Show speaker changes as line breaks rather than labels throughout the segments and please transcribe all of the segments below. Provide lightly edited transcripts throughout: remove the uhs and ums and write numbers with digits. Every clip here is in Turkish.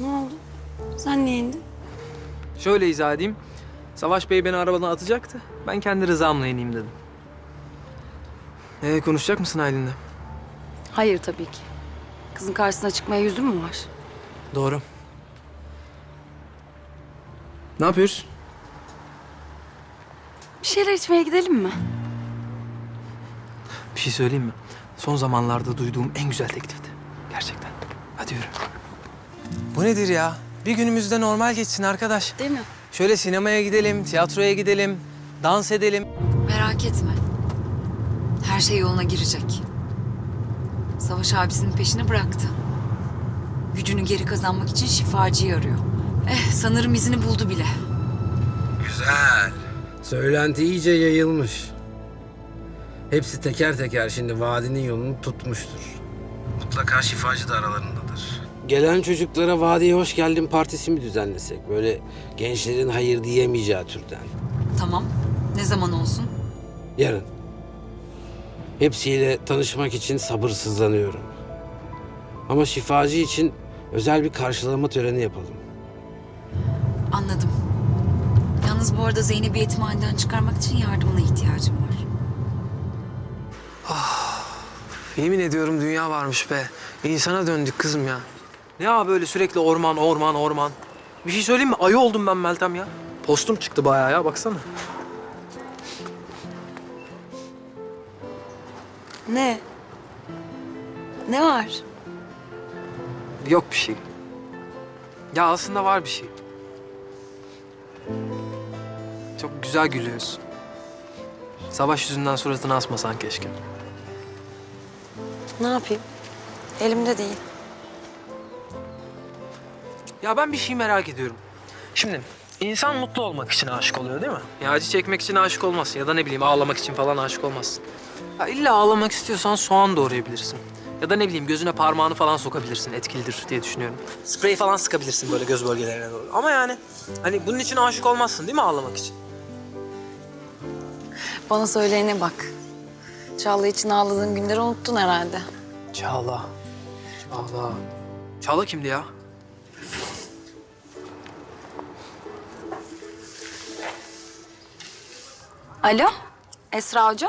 Ne oldu? Sen niye indin?
Şöyle izah edeyim. Savaş Bey beni arabadan atacaktı. Ben kendi rızamla ineyim dedim. Konuşacak mısın Aylin'le?
Hayır tabii ki. Kızın karşısına çıkmaya yüzün mü var?
Doğru. Ne yapıyoruz?
Bir şeyler içmeye gidelim mi?
Bir şey söyleyeyim mi? Son zamanlarda duyduğum en güzel teklifti. Gerçekten. Hadi yürü. Bu nedir ya? Bir günümüz de normal geçsin arkadaş.
Değil mi?
Şöyle sinemaya gidelim, tiyatroya gidelim, dans edelim.
Merak etme. Her şey yoluna girecek. Savaş abisinin peşini bıraktı. Gücünü geri kazanmak için şifacıyı arıyor. Sanırım izini buldu bile.
Güzel. Söylenti iyice yayılmış. Hepsi teker teker şimdi vadinin yolunu tutmuştur. Mutlaka şifacı da aralarındadır. Gelen çocuklara vadiye hoş geldin partisi mi düzenlesek? Böyle gençlerin hayır diyemeyeceği türden.
Tamam. Ne zaman olsun?
Yarın. Hepsiyle tanışmak için sabırsızlanıyorum. Ama şifacı için özel bir karşılama töreni yapalım.
Anladım. Yalnız bu arada Zeynep'i yetimhaneden çıkarmak için yardımına ihtiyacım var.
Yemin ediyorum dünya varmış be. İnsana döndük kızım ya. Ne ya böyle sürekli orman, orman, orman. Bir şey söyleyeyim mi? Ayı oldum ben Meltem ya. Postum çıktı bayağı ya, baksana.
Ne? Ne var?
Yok bir şey. Ya aslında var bir şey. Çok güzel gülüyorsun. Savaş yüzünden suratını asmasan keşke.
Ne yapayım? Elimde değil.
Ya ben bir şey merak ediyorum. Şimdi insan mutlu olmak için aşık oluyor değil mi? Ya acı çekmek için aşık olmazsın ya da ne bileyim ağlamak için falan aşık olmazsın. Ya illa ağlamak istiyorsan soğan doğrayabilirsin. Ya da ne bileyim gözüne parmağını falan sokabilirsin, etkilidir diye düşünüyorum. Sprey falan sıkabilirsin böyle göz bölgelerine doğru. Ama yani hani bunun için aşık olmazsın değil mi ağlamak için?
Bana söyleyene bak. Çağla için ağladığın günleri unuttun herhalde.
Çağla. Çağla. Çağla kimdi ya?
Alo? Esra Hoca?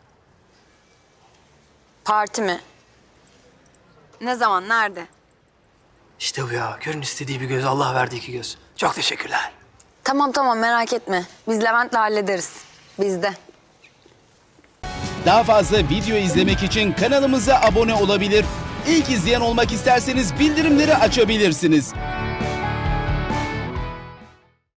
Parti mi? Ne zaman, nerede?
İşte bu ya. Görün istediği bir göz, Allah verdiği iki göz. Çok teşekkürler.
Tamam merak etme. Biz Levent'le hallederiz. Bizde.
Daha fazla video izlemek için kanalımıza abone olabilir. İlk izleyen olmak isterseniz bildirimleri açabilirsiniz.